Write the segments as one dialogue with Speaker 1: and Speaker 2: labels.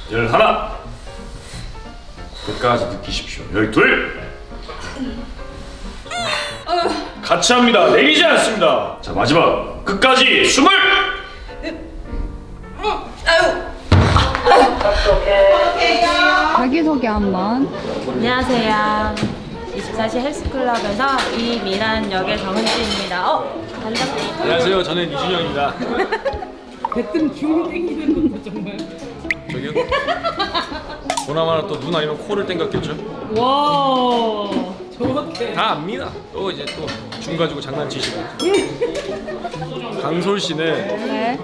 Speaker 1: 11 끝까지 느끼십시오. 12 같이 합니다. 내리지 않습니다. 자, 마지막 끝까지 20
Speaker 2: 자기소개 한번.
Speaker 3: 안녕하세요. 24시 헬스클럽에서 이미란 역의 정은지입니다. 반갑습니다.
Speaker 1: 안녕하세요. 저는 이준영입니다.
Speaker 4: 대뜸 줌 땡기는 것도 정말.
Speaker 1: 저기요? 보나마나 또 눈 아니면 코를 땡겼겠죠?
Speaker 4: 와, 저렇게.
Speaker 1: 다 압니다. 또 이제 또 줌 가지고 장난치시고. 강솔 씨는
Speaker 2: 네.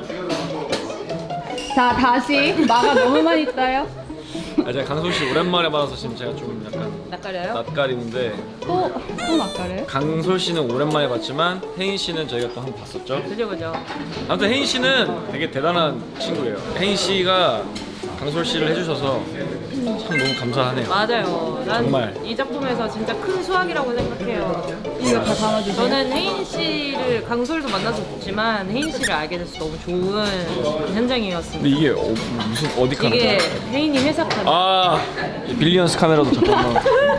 Speaker 2: 자, 다시. 마가 너무 많이 떠요.
Speaker 1: 제가 강솔 씨 오랜만에 만나서 지금 제가 좀 약간
Speaker 3: 낯가려요?
Speaker 1: 낯가리는데
Speaker 2: 또 낯가려요?
Speaker 1: 강솔 씨는 오랜만에 봤지만 혜인 씨는 저희가 또 한 번 봤었죠.
Speaker 3: 그죠.
Speaker 1: 아무튼 혜인 씨는 되게 대단한 친구예요. 혜인 씨가 강솔 씨를 해주셔서 참 너무 감사하네요.
Speaker 3: 맞아요. 난
Speaker 1: 정말.
Speaker 3: 이 작품에서 진짜 큰 수확이라고 생각해요.
Speaker 2: 이거 다 담아주세요.
Speaker 3: 저는 혜인 씨를 강솔도 만나서 좋지만 혜인 씨를 알게 돼서 너무 좋은 현장이었습니다.
Speaker 1: 근데 이게 무슨 어디 카메라?
Speaker 3: 이게 혜인이 회사 카메라.
Speaker 1: 아 빌리언스 카메라도 잠깐만.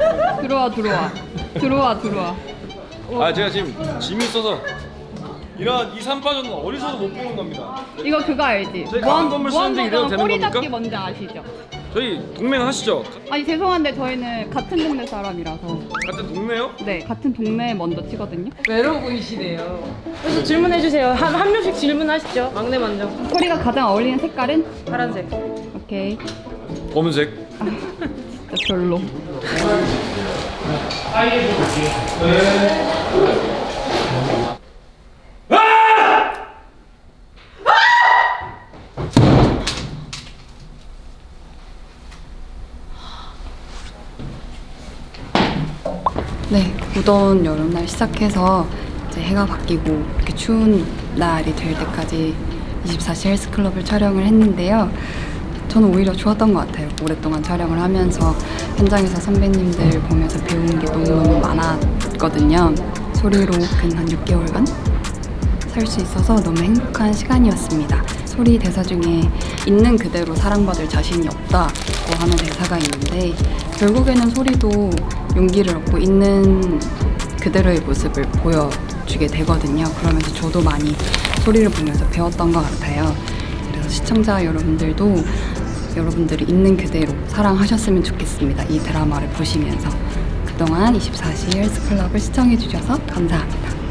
Speaker 2: 들어와.
Speaker 1: 아 제가 지금 짐이 있어서 이런 이 산파전은 어디서도 못 보는 겁니다.
Speaker 2: 이거 그거 알지?
Speaker 1: 저희 가방 건물 쓰는데 이래도 되는
Speaker 2: 꼬리
Speaker 1: 겁니까?
Speaker 2: 잡기 뭔지 아시죠?
Speaker 1: 저희 동맹 하시죠?
Speaker 2: 아니 죄송한데 저희는 같은 동네 사람이라서.
Speaker 1: 같은 동네요?
Speaker 2: 네, 같은 동네에 먼저 치거든요.
Speaker 3: 외로워 보이시네요. 그래서 질문해주세요. 한 명씩 질문하시죠. 막내 먼저.
Speaker 2: 꼬리가 가장 어울리는 색깔은?
Speaker 3: 파란색.
Speaker 2: 오케이.
Speaker 1: 검은색.
Speaker 2: 진짜 별로. 네, 무더운 여름날 시작해서 이제 해가 바뀌고 이렇게 추운 날이 될 때까지 24시 헬스클럽을 촬영을 했는데요. 저는 오히려 좋았던 것 같아요. 오랫동안 촬영을 하면서 현장에서 선배님들 보면서 배운 게 너무너무 많았거든요. 소리로 근 한 6개월간 살 수 있어서 너무 행복한 시간이었습니다. 소리 대사 중에 있는 그대로 사랑받을 자신이 없다고 하는 대사가 있는데 결국에는 소리도 용기를 얻고 있는 그대로의 모습을 보여주게 되거든요. 그러면서 저도 많이 소리를 보면서 배웠던 것 같아요. 그래서 시청자 여러분들도 여러분들이 있는 그대로 사랑하셨으면 좋겠습니다. 이 드라마를 보시면서 그동안 24시 헬스클럽을 시청해주셔서 감사합니다.